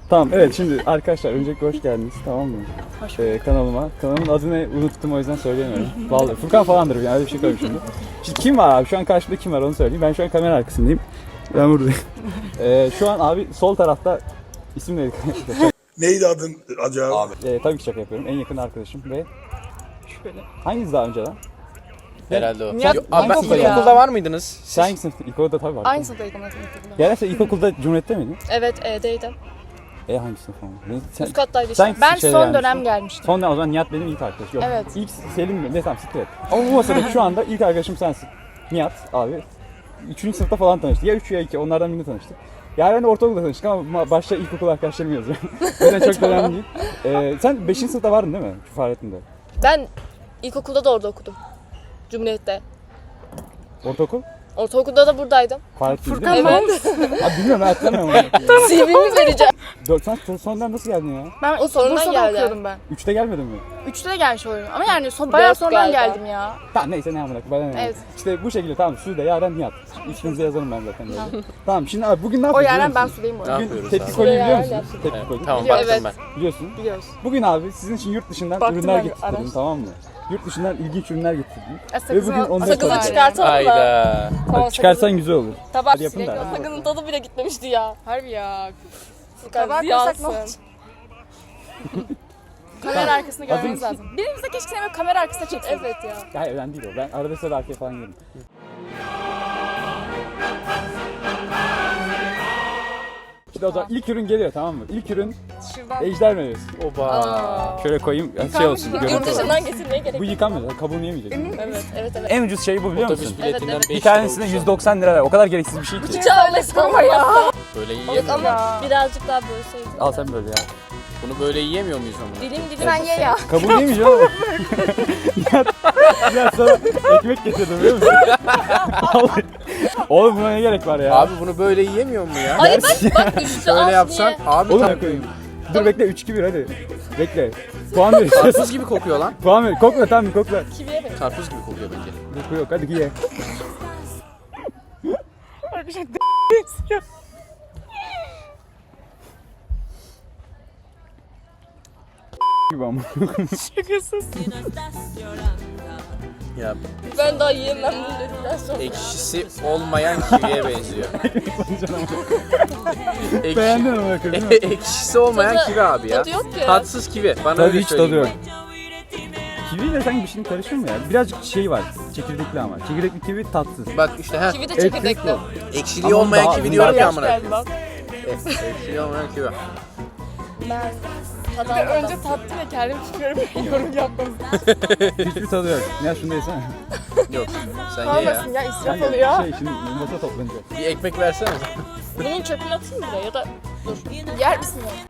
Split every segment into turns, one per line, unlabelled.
Tamam evet şimdi arkadaşlar öncelikle hoş geldiniz tamam mı?
Hoş
Kanalıma. Kanalımın adını unuttum o yüzden söyleyemiyorum. Vallahi Furkan falandır yani öyle bir şey koyayım şimdi. Şimdi kim var abi? Şu an karşımda kim var onu söyleyeyim. Ben şu an kamera arkasındayım. Ben buradayım. Şu an abi sol tarafta isim neydi?
Neydi adın acaba?
Tabii ki şaka yapıyorum. En yakın arkadaşım ve
Şüpheli.
hanginiz daha önce lan?
Herhalde o.
Nihat,
Abi ben
ilkokul ya.
ilkokulda var mıydınız?
Sen hangi sınıfta? İlkokulda tabii var.
Aynı sınıftaydık ama ilkokulda.
Yani sen ilkokulda Cumhuriyet'te miydin?
Evet, E'deydim.
Hangi sınıf ama? Sen,
Üst kattaydı
sen
işte. Ben
şeyde
son
gelmiştin.
dönem gelmiştim.
Son dönem o zaman Nihat benim ilk arkadaşım. Yok.
Evet.
İlk Selim mi? Ne tamam siktir et. Ama bu masada şu anda ilk arkadaşım sensin. Nihat abi. 3. sınıfta falan tanıştık. Ya 3 ya 2 onlardan birini tanıştık. Yani ben de ortaokulda tanıştık ama başta ilkokul arkadaşlarım yazıyor. O yüzden çok önemli değil. Sen 5. sınıfta vardın değil mi? Fahrettin'de.
Ben ilkokulda da orada okudum. Cumhuriyet'te.
Ortaokul?
Ortaokulda da buradaydım.
Fahrettin değil mi?
Evet.
Abi bilmiyorum ben hatırlamıyorum.
CV'mi vereceğim.
Sen sonradan nasıl geldin ya?
Ben
O sonradan
Bursa'da
geldi.
okuyordum ben.
3'te gelmedin mi?
3'te de gelmiş oluyorum. Ama yani bayağı
Dört
sonradan
galiba.
geldim ya.
Tamam neyse ne amına koyayım, bana ne?
Evet.
İşte bu şekilde tamam Sude, Yaren, Nihat. İsminizi yazarım ben zaten böyle. Tamam şimdi abi bugün ne
O
yapıyoruz?
yani ben
biliyor
Sudeyim bu
Ne
arada.
musun? Bugün
yapıyoruz
tepki
abi?
koyu biliyor
Yaren
musun?
yapsın.
Tepki
Evet,
koyu.
tamam
Biliyorum,
baktım
evet.
ben.
Biliyorsun.
Biliyoruz.
Bugün abi sizin için yurt dışından
Baktım
ürünler
ben,
getirdim
araştırdım.
tamam mı? Yurt dışından ilginç ürünler getirdim.
Sakızı-
Ve bugün onları
Sakızı
tanıtacağım.
çıkartalım mı?
Hayda.
Bak, çıkarsan güzel olur.
Tabak
Hadi yapın da.
Sakızın tadı bile gitmemişti ya.
Harbi ya.
Furkan
Tabağa koysak ne
ziyansın.
olacak? Kamera arkasını
Hazır
görmeniz
mısın?
lazım. Birimiz de keşke seni kamera arkasına çeksin.
Evet ya.
Hayır önemli değil o. Ben arada sırada arkaya falan gelirim. Şimdi o zaman ilk ürün geliyor tamam mı? İlk ürün
Şuradan.
ejder meyvesi.
Oba.
Şöyle koyayım şey olsun.
Yıkanmış
görüntü
Yurt
olarak.
dışından getirmeye gerek
Bu
yok.
yıkanmıyor. Kabuğunu yemeyecek.
Evet, evet, evet.
En ucuz şey bu biliyor musun?
Otobüs biletinden
Evet,
5
Bir tanesine 190 lira ver. O kadar gereksiz bir şey ki.
Çağlasın ama ya.
Böyle
Yok
yiyemiyor muyuz?
ama birazcık daha bölseydin.
Al sen böyle ya.
Bunu böyle yiyemiyor muyuz ama?
Dilim dilim.
Sen ye ya.
Kabuğunu yemeyeceğim ama. Ya sana ekmek getirdim biliyor musun? Vallahi. Oğlum buna ne gerek var ya?
Abi bunu böyle yiyemiyor mu ya?
Hayır bak düştü
Şöyle
az
yapsan
niye?
abi
Oğlum
tam
koyayım. Dur bekle 3-2-1 hadi. Bekle. Puan ver.
karpuz gibi kokuyor lan.
Puan ver. Kokla tamam bir kokla.
Kiviye bak.
Karpuz gibi kokuyor bence.
Koku yok hadi ye. gibi ama.
Ya
Ben daha yiyemem bunu dedikten sonra.
ekşisi olmayan kiviye benziyor.
Beğendin
Ekşi,
ama bakın değil mi?
ekşisi olmayan
Tadı-
kivi abi ya.
tadı yok ki.
Tatsız kivi. Bana
Tadı
öyle
hiç tadı
söyleyeyim.
yok. Kiviyle sanki bir şeyin karışır mı ya? Birazcık şey var. Çekirdekli ama. Çekirdekli kivi tatsız.
Bak işte ha.
Kivi de
Evet,
çekirdekli.
Ekşiliği
Ama
olmayan
daha-
kivi diyorum ya amına.
Geldi bak.
Ekşiliği olmayan kivi.
Ben tadı
Önce
almadım.
tattım ve kendim çıkıyorum. Yorum yapmadım.
Hiçbir tadı yok. Ya şunu da yesene.
Yok. Sen ye ya.
Kalmasın ya israf
Kanka,
oluyor.
Şey şimdi masa toplanacak.
Bir ekmek versene.
Bunun çöpünü atayım buraya ya da dur.
Yer misin ya?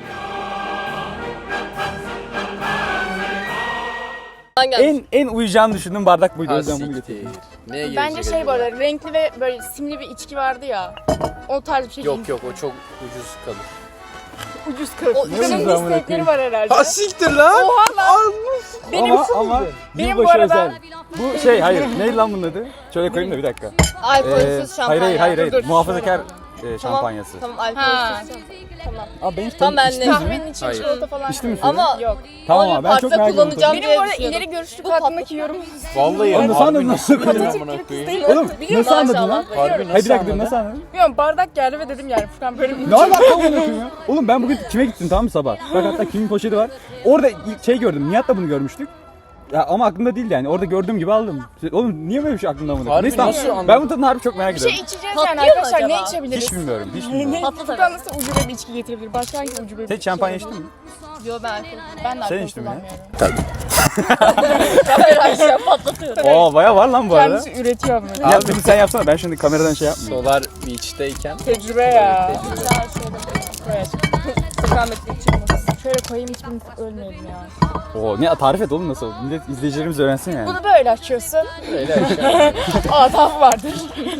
Ben geldim.
En uyacağını düşündüğüm bardak buydu. O
Ha
yüzden bunu
siktir.
getirdim.
Neye gelecek
Bence şey bu
acaba?
arada renkli ve böyle simli bir içki vardı ya. O tarz bir şey.
Yok yok o çok ucuz kalır.
Ucuz kırık.
O
Canım
ucuz amına
istekleri
koyayım.
var herhalde.
Ha siktir lan.
Oha lan. Benim
ama
Benim
yılbaşı
bu arada-
özel. Bu şey hayır. Neydi lan bunun adı? Şöyle koyayım da bir dakika.
Alkolsüz şampanya.
Hayır.
Dur,
Muhafazakar
Tamam.
şampanyası.
Tamam
Ha.
alkolsüz. Tamam.
Abi ben hiç
Tamam, ben de.
içtiniz mi?
kahvenin içine
Hayır.
çikolata falan.
İçtin mi
koyuyorum.
sen?
Ama
Yok.
Tamam
Onu
abi ben çok
parkta
merak ediyorum.
kullanacağım.
Benim
diye
bu arada
düşünüyordum.
ileri görüşlük
Bu
hakkındaki yorum.
Vallahi
Oğlum nasıl anladın? Nasıl
Nasıl
anladın?
amına koyayım?
Oğlum
Biliyorum
nasıl anladın
maşallah.
lan?
Harbi
Hayır bir
nasıl
dakika dur
anladın?
nasıl anladın?
Bilmiyorum bardak geldi ve dedim yani Furkan böyle bir
Ne alaka amına koyayım ya? Oğlum ben bugün kime gittim tamam mı sabah? Bak hatta kimin poşeti var. Orada ilk şey gördüm. Nihat'la bunu görmüştük. Ya ama aklımda değildi yani. Orada gördüğüm gibi aldım. Oğlum niye böyle bir şey aklımda amına koyayım?
Harbi
Neyse tamam.
nasıl anladın?
Ben bu tadını harbi çok merak
bir şey
ediyorum.
içeceğiz
Patlıyor
yani
mu
arkadaşlar ne
acaba?
içebiliriz?
Hiç bilmiyorum. Hiç bilmiyorum.
Patlat
Furkan nasıl ucube bir içki getirebilir? Başka hangi ucube bir
Sen şampanya içtin mi?
Yo ben alkol.
Ben de
Sen
alkol
içtin mi ya?
kullanmıyorum.
Kamera aşağı patlatıyorum.
Oo baya var lan bu arada.
Kendisi üretiyor ama.
Ya peki sen yapsana ben şimdi kameradan şey yapmayayım.
Solar Beach'teyken
Tecrübe ya.
Daha şöyle
Evet. Furkan Metin çıkmasın. Şöyle koyayım hiçbirimiz ölmeyelim ya.
Oo ne tarif et oğlum nasıl? Millet izleyicilerimiz öğrensin yani.
Bunu böyle açıyorsun.
öyle aşağı.
Ataf vardır.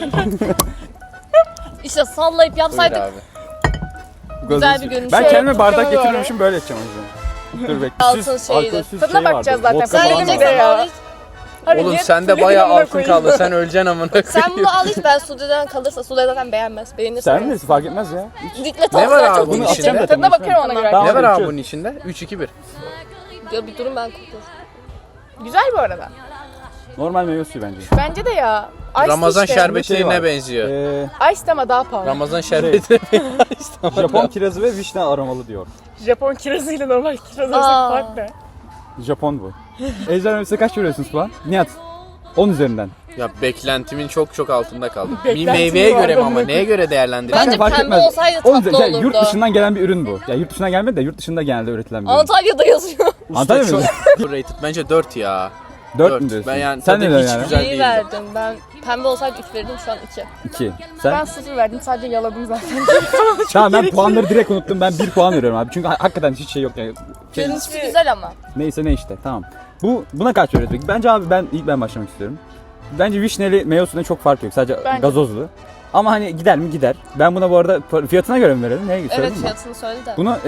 İşte sallayıp
Buyur
yapsaydık.
abi.
güzel bir görünüş.
Ben
Şöyle
kendime bardak
tutalım
getiriyormuşum böyle edeceğim o yüzden. Dur bekle.
Altın şeydi.
Tadına bakacağız zaten.
Vodka
Sen
falan
dedim
var.
bir de ya. Hadi
Oğlum
ye,
sende
Sude'yi
bayağı
amına
altın
koyayım.
kaldı. Sen öleceksin amına koyayım.
Sen bunu al hiç, ben Sude'den kalırsa Sude zaten beğenmez. Beğenirse
Sen
beğenmez.
bilirsin fark etmez ya.
Dikkat
Ne
al,
var
sen
abi
çok
bunun
Bunu
dikkat
atacağım
et.
da
Tadına bakarım ona göre.
Tamam.
Ne var abi
içiyoruz.
bunun içinde? 3-2-1.
Ya bir durun ben kokluyorum.
Güzel bu arada.
Normal meyve suyu bence.
Bence de ya. Ice
Ramazan
işte.
şerbetine
Şey var.
benziyor.
Ice ama daha pahalı.
Ramazan şerbetine benziyor.
Japon kirazı ve vişne aromalı diyor.
Japon kirazıyla normal kiraz
Aa.
arasındaki fark ne?
Japon bu. Ejder Mevsim'e kaç veriyorsunuz puan? Nihat. 10 üzerinden.
Ya beklentimin çok altında kaldı. Bir
Beklentim
meyveye
vardı
göre mi ama
amına
neye göre değerlendiriyorsun?
Bence
fark
pembe
etmez.
olsaydı
10
tatlı
üzerinden. Yurt
olurdu.
dışından gelen bir ürün bu. Ya yurt dışından gelmedi de yurt dışında genelde üretilen bir ürün.
Antalya'da yazıyor.
Antalya mı?
Çok rated. Bence 4 ya.
4 mü diyorsun?
Ben yani
Sen
tadı
ne
hiç
yani?
güzel
İyi
değil.
verdim. Ben pembe olsaydı 3 verirdim, şu an 2.
2.
Ben
Sen?
0 verdim sadece yaladım zaten.
Tamam ben puanları direkt unuttum. Ben 1 puan veriyorum abi. Çünkü hakikaten hiç şey yok yani.
Görünüşü güzel ama.
Neyse ne işte tamam. Buna kaç veriyoruz peki? Bence abi ben başlamak istiyorum. Bence vişneli meyve suyuna çok fark yok. Sadece
Bence.
gazozlu. Ama hani gider mi gider. Ben buna bu arada fiyatına göre mi verelim? Neye
Evet,
söyledin mi?
fiyatını söyle de.
Bunu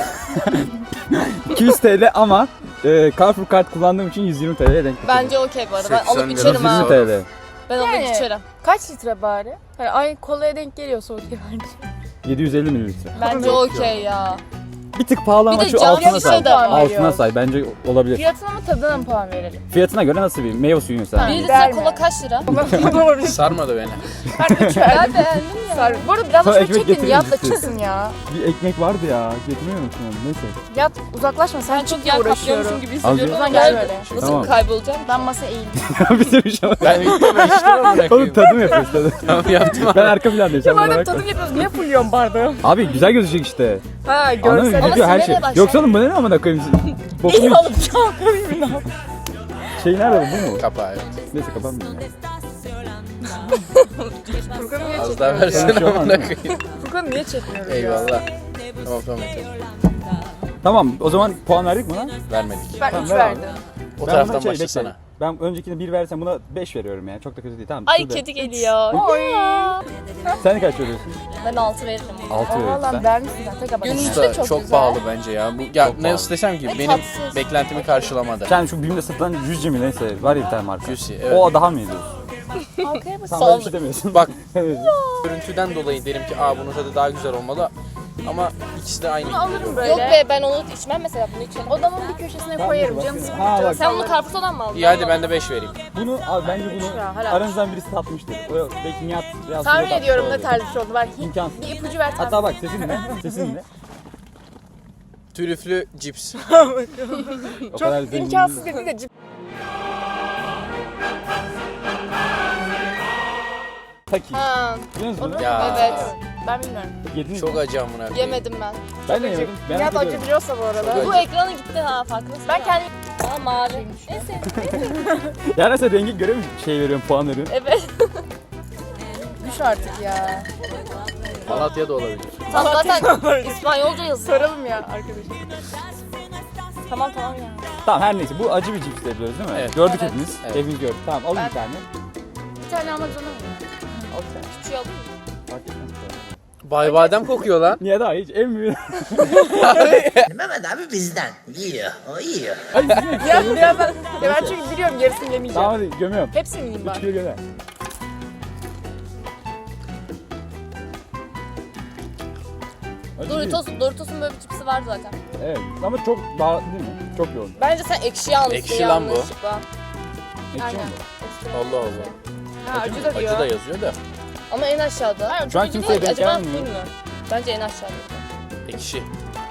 200 TL ama Carrefour kart kullandığım için 120 TL'ye denk getirdim.
Bence okey bu arada. Ben
80
alıp
lira
içerim
120
ha.
TL.
Ben alıp
Yani.
içerim.
Kaç litre bari? Hani aynı kolaya denk geliyorsa okey bence.
750 mililitre.
Bence okey ya.
Bir tık pahalı
Bir
ama
de
şu
cam
altına
şişe
say.
de var.
Altına say. Bence olabilir.
Fiyatına mı tadına mı puan verelim?
Fiyatına göre nasıl bir meyve suyu mesela?
1
Bir
litre
verme.
kola kaç lira?
Olabilir.
Sarmadı beni.
Ben 3
Ben
verdim.
beğendim ya.
Bu arada biraz da
Sana
şöyle
ekmek
çekin
getireyim
yat da
ciddi.
çıksın ya.
Bir ekmek vardı ya. Getirmiyor musun onu? Neyse.
Yat uzaklaşma sen
Ben çok
çok
yer
uğraşıyorum.
kaplıyormuşum gibi hissediyorum.
Az
Uzan
Ama
gel
gel.
böyle.
Nasıl
Tamam.
kaybolacağım?
Ben masaya eğildim.
Bitirmiş ama.
Ben ilk defa içtim amına
Oğlum
koyayım.
tadım yapıyoruz tadım.
Tamam yaptım abi.
Ben arka plandayım. Sen bana
Madem
bakma.
tadım yapıyoruz niye fulluyorsun bardağı?
Abi güzel gözükecek işte.
Ha
Anladın mı?
görsel.
Video her şey.
sinemaya başla.
Yoksa oğlum bu ne amına koyayım? Bokunu
İyi alıp çalkalayayım ne yapayım?
şey nerede bu mu?
Kapağı evet.
Neyse kapanmıyorum ya.
Furkan'ı niye
Az daha
çekmiyoruz?
versene
Şu an
amına koyayım.
Furkan'ı niye çekmiyoruz ya?
Eyvallah. Tamam yeter.
Tamam o zaman puan verdik mi lan?
Vermedik.
Ben
Tamam,
3
ver
verdim.
O
Ben
taraftan
buna şey,
başlasana.
bekle. Ben öncekine 1 versem buna 5 veriyorum yani. Çok da kötü değil. Tamam.
Ay
Sude.
kedi geliyor.
Sen kaç veriyorsun?
Ben 6 veririm.
6 veriyorsun
Valla
sen.
vermişsin sen tek ama.
Gönül-
Usta
çok
çok
güzel.
pahalı bence ya. Bu ya
Çok
ne
pahalı.
istesem ki
Ve
benim
tatsız.
beklentimi karşılamadı.
Sen şu BİM'de satılan Juicy mi neyse var ya bir tane marka.
Juicy, evet.
O daha mı iyi diyorsun?
Arkaya bak.
Sen böyle bir şey demiyorsun.
Bak
Evet.
görüntüden dolayı derim ki bunun tadı daha güzel olmalı. Ama ikisi de aynı.
Bunu alırım böyle.
Yok be, ben onu içmem mesela, bunu içemem.
Odamın bir köşesine koyarım canım
Ha,
sıkılınca.
bak.
Sen bunu karpuzdan mı aldın?
İyi hadi ben de 5 vereyim.
Bunu abi bence bunu
Ya, helal.
aranızdan birisi tatmıştır. O belki Nihat biraz
Tahmin
Sude
ediyorum
tatmış
ne
olabilir.
tarz bir şey oldu. Ver
İmkansız.
bir ipucu ver tahmin.
Hatta bak sesin ne? Sesin ne?
Trüflü cips.
O kadar
Çok
zengin
imkansız
değil.
dedi de cip.
Taki.
Ha,
Biliyor musun?
Ya.
evet.
Ben bilmiyorum.
Yediniz
Çok
mi?
acı amına koyayım.
Yemedim ben.
Ben de yemedim.
Nihat
Merak
acı
ediyorum.
biliyorsa bu arada.
Bu ekranı gitti ha, farkındasın.
Ben kendim
Ha, mavi. Neyse.
Yani sen rengi göre mi şey veriyorsun, puan veriyorsun?
Evet.
düş artık ya.
Malatya da olabilir.
Tam zaten İspanyolca yazıyor.
Soralım ya arkadaşım.
Tamam ya.
Tamam her neyse bu acı bir cips de biliyoruz değil mi?
Evet.
Gördük
Evet.
hepimiz.
Evet.
Hepimiz gördük. Tamam alın
Ben-
bir tane.
Bir tane almak zorunda mıyım?
Al bir tane.
Küçüğü alayım mı?
Fark etmez.
Bay badem kokuyor lan.
Niye daha hiç emmiyor?
Mehmet abi bizden. Yiyor. O yiyor.
Ya birazdan. Ya ben çünkü biliyorum yarısını yemeyeceğim.
Tamam hadi gömüyorum.
Hepsini yiyeyim
3
bak.
kilo gömer. Acı değil.
Doritos'un böyle bir cipsi var zaten.
Evet ama çok baharatlı değil mi? Çok yoğun.
Bence sen ekşi almışsın
Ekşi lan bu.
yanlışlıkla.
Ekşi
Aynen.
mi
Allah Allah.
Ha, acı da diyor.
Acı da yazıyor da.
Ama en aşağıda.
Hayır,
Şu an
acı
kimseye
değil.
denk
Acaba
gelmiyor.
bilmiyorum. Bence en aşağıda.
Ekşi.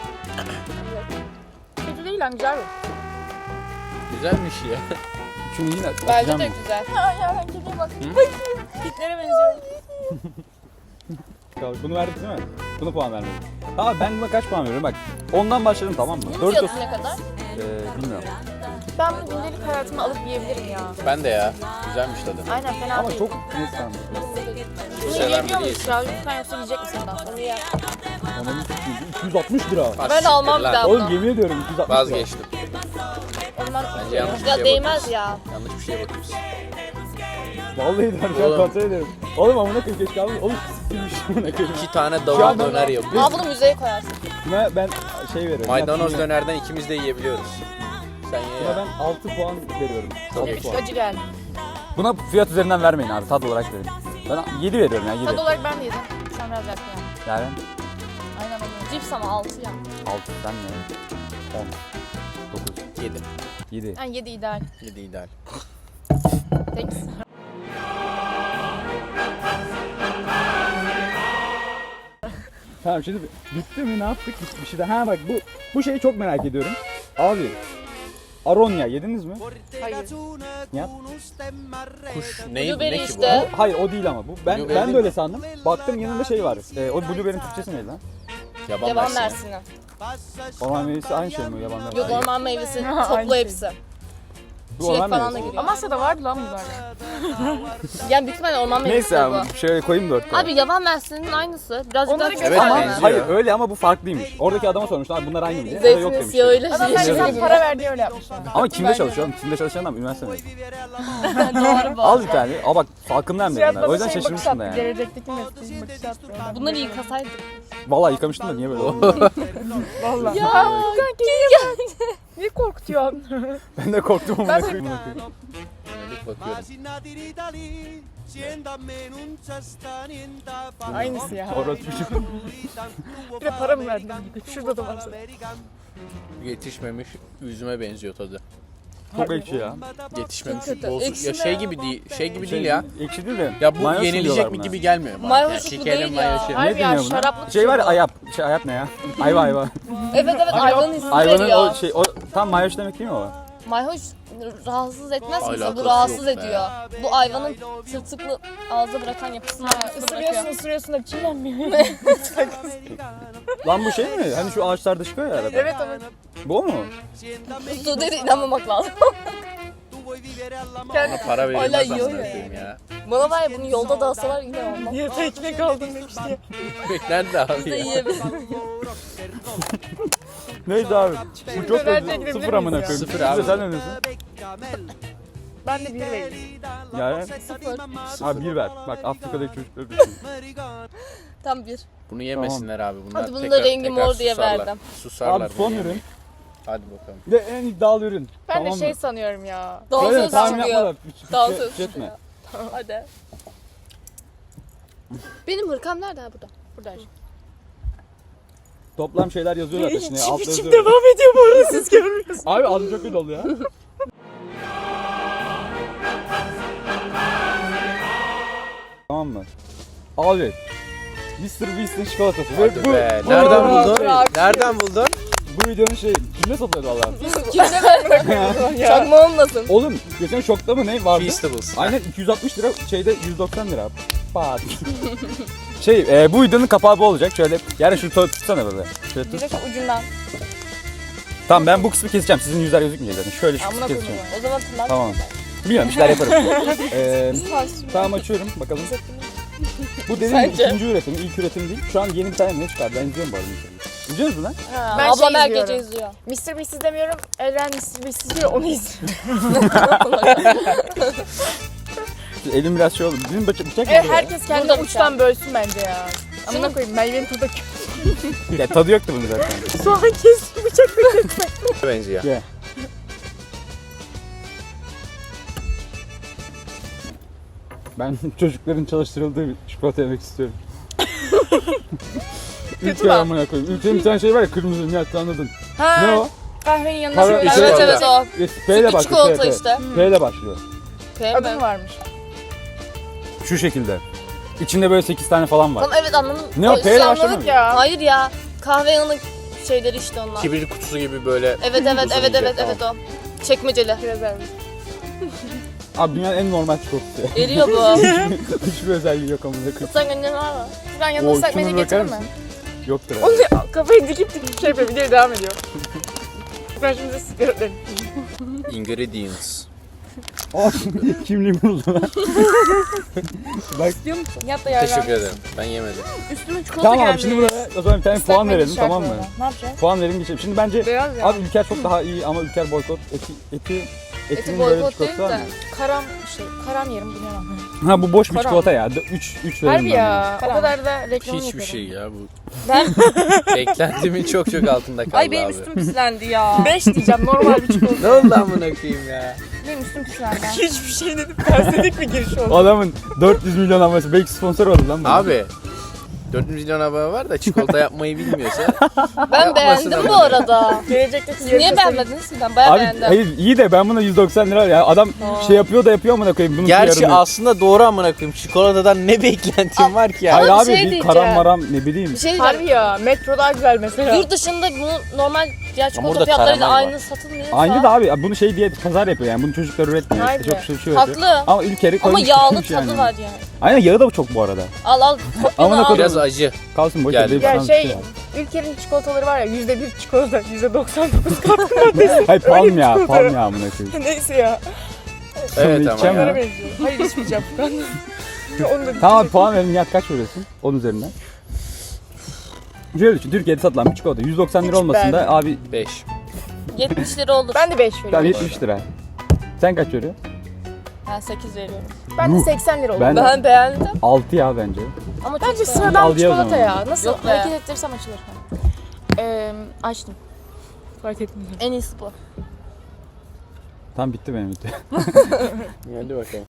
Kötü değil lan güzel bu.
Güzelmiş ya.
Şunu yine
Bence
atacağım
de
mı?
güzel.
Ya ben kediye bak.
Hitlere benziyor.
Tamam, bunu verdik değil mi? Bunu puan vermedik. Tamam ben buna kaç puan veriyorum bak. Ondan başladım tamam mı?
Bunun
Doritos.
fiyatı ne kadar?
Bilmiyorum.
Ben bunu gündelik hayatıma alıp yiyebilirim ya.
Ben de ya. Güzelmiş tadı.
Aynen fena
Ama
değil.
çok neyse tamam.
Bunu
Seven
yiyebiliyor
biri
muyuz ya? Lütfen yoksa yiyecek misin bundan sonra?
Onu yer.
Ananı sikeyim. 260 lira.
Ben almam bir daha
Oğlum
bunu.
yemin ediyorum 260 lira.
Vazgeçtim.
O zaman
Bence yanlış bir
Ya
şeye
değmez
bakıyorsun.
ya.
Yanlış bir şeye bakıyorsun.
Vallahi de şu an
Oğlum.
kontrol ediyorum. Oğlum amına koyayım keşke aldım. Oğlum siktirmiş amına koyayım.
2 tane
Şu
davul
an ben-
döner yapıyor.
Aa, bunu müzeye koyarsın.
Buna ben şey veriyorum.
Maydanoz
Yine-
dönerden ikimiz de yiyebiliyoruz. Sen ye
Buna
ya.
ben 6 puan veriyorum. 6
Çok
puan.
acı geldi.
Buna fiyat üzerinden vermeyin abi. Tad olarak verin. Ben 7 veriyorum ya 7.
Tad olarak ben de yedim. Sen biraz yakın yani.
Yani
Aynen öyle.
Cips ama 6 ya.
6 sen ne? 10. 9.
7.
7.
Yani 7 ideal.
7 ideal.
Thanks.
Tamam şimdi bitti mi ne yaptık? Bir şey de. Ha bak bu şeyi çok merak ediyorum. Abi Aronya yediniz mi?
Hayır.
Nihat?
Kuş ne
Blueberry
ki bu?
işte.
Hayır o değil ama bu. Ben
Blueberry
de
mi?
öyle sandım. Baktım yanında şey var. O blueberry'in Türkçesi neydi lan?
Yaban
Yaban
mersini.
mersini.
Orman meyvesi aynı şey mi? Yaban mersini?
Yok orman meyvesi
Aynı
toplu
şey.
hepsi.
Bu
Çilek
orman
falan da
meyvesi.
giriyor.
Amasya'da vardı lan bunlar.
Yani büyük ihtimalle orman meyvesi
Neyse
bu.
abi şöyle koyayım da ortaya.
Abi yaban mersinin aynısı. Birazcık
Onları
daha küçük
Evet,
ama.
benziyor.
Hayır öyle ama bu farklıymış. Oradaki adama sormuşlar abi bunlar aynı mı diye. O da yok
Zeytinin
demiş.
siyahıyla
Adam
şey.
her
Yazıyor.
insan para verdiği öyle yapmışlar.
Ama kimde çalışıyor oğlum? Kimde çalışan adam üniversite mezunu.
Doğru bu.
Al bir tane. Aa bak farkındayım ben.
Fiyat
O yüzden
bakış
şaşırmıştım da
attı.
yani.
Gelecekteki mesleğin bakış attı.
Bunları yıkasaydık.
Vallahi yıkamıştım da niye böyle oldu?
Valla.
Ya kanki
Niye korkutuyorsun?
Ben de korktum ama.
Ben-
bakıyorum.
Yönelik bakıyorum.
Aynısı ya.
Orası bir şey.
Bir de para mı verdin? Şurada da var.
Yetişmemiş üzüme benziyor tadı.
Çok ekşi ya.
Yetişmemiş.
Çok kötü.
Bozuk.
Ekşi
Ya
mi?
şey gibi değil. Şey gibi değil ya.
Ekşi değil de.
Ya bu
mayhoş
yenilecek
diyorlar
mi
buna.
gibi gelmiyor bana.
Mayhoş bu
şekerli
değil ya.
mayhoşu.
Harbi
Ne
ya,
deniyor buna?
şaraplı
Şey var ya
tükürüyor.
ayap. Şey ayap ne ya? Ayva ayva.
Evet evet ayvanın ismi
Ayvanın
veriyor.
o şey o tam mayhoş demek değil mi o?
Mayhoş rahatsız etmez mi?
Alakası
Bu rahatsız
yok be.
ediyor. Bu ayvanın tırtıklı ağza bırakan yapısını
Isırıyorsun ısırıyorsun da çiğnenmiyor.
Lan bu şey mi? Hani şu ağaçlarda çıkıyor ya arada.
Evet evet.
Bu o mu?
Su dedi inanmamak lazım.
Bana para
Hala
verilmez
yiyor
amına
ya.
koyayım ya.
Bana var ya bunu yolda dağısalar yine olmaz.
Niye tekne kaldın demişti.
Bekler de abi
Biz de
ya.
yiyebilirim.
Neydi abi? Bu çok
Döner
kötü.
çekebilir
Sıfır amına
miyiz ya?
koyayım.
Sıfır
Bir de
abi.
sen ne diyorsun?
Ben de bir vereyim.
Yani
Sıfır.
abi bir ver. Bak Afrika'daki çocukları düşün.
Tam bir.
Bunu yemesinler abi. Bunlar
Hadi bunun da
tekrar-
rengi
tekrar
mor diye
susarlar.
verdim.
Susarlar.
Abi son
bunu
ürün.
yemeyin. Hadi bakalım.
Ve en iddialı ürün.
Ben
Tamam
de şey
mı?
sanıyorum ya.
Öyle mi?
Dansöz
Tahmin yapma
çıkıyor.
da.
Dansöz
Şey
çıkıyor.
etme.
Hadi. Benim hırkam nerede ha burada? Burada.
Toplam şeyler yazıyor zaten şimdi. Altta
İçim
yazıyor.
devam ediyor bu arada siz görmüyorsunuz.
Abi ağzım çok kötü oldu ya. Tamam mı? Abi Mr. Beast'in çikolatası.
Hadi
Ve
be.
bu
Nereden buldun?
bırak.
Nereden buldun?
Bu videonun şey kimde satıyordu valla?
Kimse vermiyor. Çakma olmasın.
Oğlum geçen şokta mı ne vardı?
Feastables.
Aynen 260 lira şeyde 190 lira. Pat. Bu videonun kapağı bu olacak. Şöyle yani şunu tutsana böyle. Şöyle
Bir
tut.
de şu ucundan.
Tamam ben bu kısmı keseceğim. Sizin yüzler gözükmeyecek zaten. Şöyle şu kısmı
Amına koyayım.
keseceğim.
O zaman tırnak.
Tamam. Bilmiyorum işler yaparım. Tamam açıyorum bakalım. Bu dediğim
Sence?
ikinci üretim, ilk üretim değil. Şu an yeni bir tane ne çıkardı? Ben izliyorum bu arada. İzliyor musun lan?
Ben
Ablam
şey
her gece
izliyorum.
izliyor.
Mr. Beast izlemiyorum. Eren Mr. Beast izliyor onu izliyorum.
Elim biraz şey oldu. Bizim bıçak mı?
Evet herkes kendi
Burada
uçtan bölsün bence ya. Amına koyayım meyvenin tadı kötü.
Ya, tadı yoktu bunun zaten.
Soğan kestim bıçakla kesme.
Benziyor.
Ye. Ben çocukların çalıştırıldığı bir çikolata yemek istiyorum. Ülke
lan.
amına koyayım. Ülkenin bir tane şey var ya kırmızı Nihat anladın.
Ha,
Ne o?
Kahvenin yanına
Para-
şöyle.
İçine-
Evet evet o.
P ile
Sütlü
başlıyor.
çikolata
P,
işte.
P ile başlıyor.
P
Adı mı
mi?
varmış?
Şu şekilde. İçinde böyle 8 tane falan var.
Tamam evet anladım.
Ne o, P ile başlamıyor
Anladık
mu?
ya.
Hayır ya. Kahve yanık şeyleri işte onlar.
Kibrit kutusu gibi böyle.
Evet evet
Uzun
evet
ince,
evet evet o. Çekmeceli.
Biraz vermiş.
Abi dünyanın en normal çikolatası.
Eriyor bu.
Hiçbir özelliği yok amına koyayım.
Sen ne var mı?
Şuradan yanına ıslak
şuna
mendil
bakar
getirir mi?
mısın? Yoktur
Onu
herhalde.
da kafayı dikip dikip şey yapıyor. Video devam ediyor. Ben şimdi sigara öderim.
Ingredients.
Kimliğimi buldu lan. Bak
Diyor musun? Yat da yardım.
Teşekkür ederim. Ben yemedim.
Üstüme çikolata
tamam
geldi.
abi şimdi buraya o zaman bir tane
Islak
puan
mendil
verelim
şart
tamam mı?
bu arada. Ne yapacağız?
Puan verelim geçelim. Şimdi bence
Beyaz ya.
abi Ülker çok daha iyi ama Ülker boykot. Etimin
Eti
böyle
boykot değil
çikolatası var
de
mı?
karam yerim bunu yemem.
Ha bu boş bir
Karam.
çikolata ya. 3 veririm
Harbi
ben
ya.
O kadar da reklam
Hiçbir şey ya bu.
Ben
Beklentimin çok altında kaldı
ay benim
abi.
üstüm pislendi ya.
5 diyeceğim normal bir çikolata.
Ne oldu amına koyayım ya?
Benim üstüm pislendi.
Hiçbir şey dedim. Tersedik bir giriş oldu.
Adamın 400 milyon abonesi. Belki sponsor oldu lan bu.
Abi 4 milyon abone var da çikolata yapmayı bilmiyorsa
Ben beğendim bu arada.
Gelecekteki
Siz niye beğenmediniz? Ben bayağı
Abi
beğendim.
hayır iyi de ben buna 190 lira ya. Adam şey yapıyor da yapıyor amına koyayım. Bunun
gerçi
yarını-
aslında doğru amına koyayım. Çikolatadan ne beklentim var ki ya?
Hayır
Ama
abi
bir şey
bir
diyeceğim.
karam maram ne bileyim.
Bir şey
Harbi
diyeceğim.
ya. Metro daha güzel mesela.
Yurt dışında bunu normal diğer çikolata
burada
fiyatlarıyla
karamel var.
aynı satılmıyorsa.
Aynı da abi bunu şey diye pazar yapıyor yani bunu çocuklar üretmiyor.
Haydi.
İşte çok şey yapıyor.
Haklı.
Ama ülkeri
Ama
koymuş
yağlı
gitmiş
tadı
yani.
var yani.
Aynen yağı da çok bu arada.
Al kopyanı
Amına
al.
Biraz acı.
Kalsın boş
Geldi.
ver. deyip
Ya
sana
şey,
bir var.
ülkenin çikolataları var ya %1 çikolata, %99 katkı maddesi.
Hayır palm ya
çikolata.
palm ya amına koyayım.
Neyse ya.
Evet
Sonra
ama
içeceğim
ya.
Onlara benziyor. Hayır içmeyeceğim Furkan. Ya onu da
Tamam abi puan verin Nihat kaç veriyorsun? 10 üzerinden. Şöyle düşün Türkiye'de satılan bir çikolata 190 lira
Hiç
olmasın da
beğenmedim.
abi
5.
70 lira olur.
Ben de 5
tam
veriyorum.
70 lira. Sen kaç veriyorsun?
Ben 8 veriyorum.
Ben de 80 lira oldu.
Ben-
Ben beğendim.
6 ya bence.
Ama çok
Bence
beğendim.
sıradan bir
Al diye o
çikolata
zaman.
ya. Nasıl
Yok be.
hareket ettirirsem açılır. Açtım. Fark etmiyor.
En iyisi bu.
Tam bitti benim bitti.
Hadi bakalım.